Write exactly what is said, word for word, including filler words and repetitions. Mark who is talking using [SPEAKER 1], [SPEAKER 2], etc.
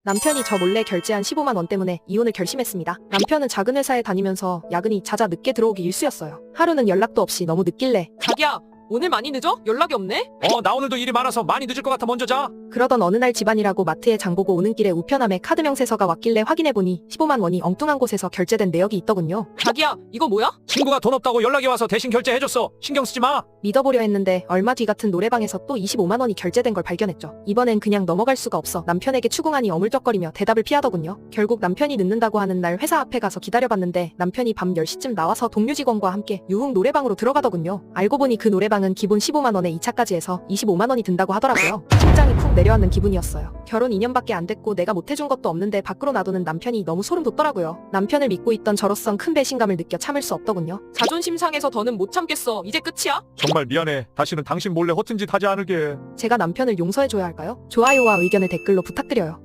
[SPEAKER 1] 남편이 저 몰래 결제한 십오만 원 때문에 이혼을 결심했습니다. 남편은 작은 회사에 다니면서 야근이 잦아 늦게 들어오기 일쑤였어요. 하루는 연락도 없이 너무 늦길래
[SPEAKER 2] 자기야, 오늘 많이 늦어? 연락이 없네?
[SPEAKER 3] 어, 나 오늘도 일이 많아서 많이 늦을 것 같아 먼저 자.
[SPEAKER 1] 그러던 어느 날 집안이라고 마트에 장 보고 오는 길에 우편함에 카드 명세서가 왔길래 확인해보니 십오만 원이 엉뚱한 곳에서 결제된 내역이 있더군요.
[SPEAKER 2] 자기야, 이거 뭐야?
[SPEAKER 3] 친구가 돈 없다고 연락이 와서 대신 결제해줬어. 신경 쓰지 마.
[SPEAKER 1] 믿어보려 했는데 얼마 뒤 같은 노래방에서 또 이십오만 원이 결제된 걸 발견했죠. 이번엔 그냥 넘어갈 수가 없어 남편에게 추궁하니 어물쩍거리며 대답을 피하더군요. 결국 남편이 늦는다고 하는 날 회사 앞에 가서 기다려봤는데 남편이 밤 열 시쯤 나와서 동료 직원과 함께 유흥 노래방으로 들어가더군요. 알고 보니 그 노래방은 기본 십오만 원에 이 차까지 해서 이십오만 원이 든다고 하더라고요. 심장이 푹 내려앉는 기분이었어요. 결혼 이 년밖에 안 됐고 내가 못해준 것도 없는데 밖으로 놔두는 남편이 너무 소름 돋더라고요. 남편을 믿고 있던 저로선 큰 배신감을 느껴 참을 수 없더군요.
[SPEAKER 2] 자존심 상해서 더는 못 참겠어. 이제 끝이야?
[SPEAKER 3] 정말 미안해. 다시는 당신 몰래 허튼 짓 하지 않을게.
[SPEAKER 1] 제가 남편을 용서해줘야 할까요? 좋아요와 의견을 댓글로 부탁드려요.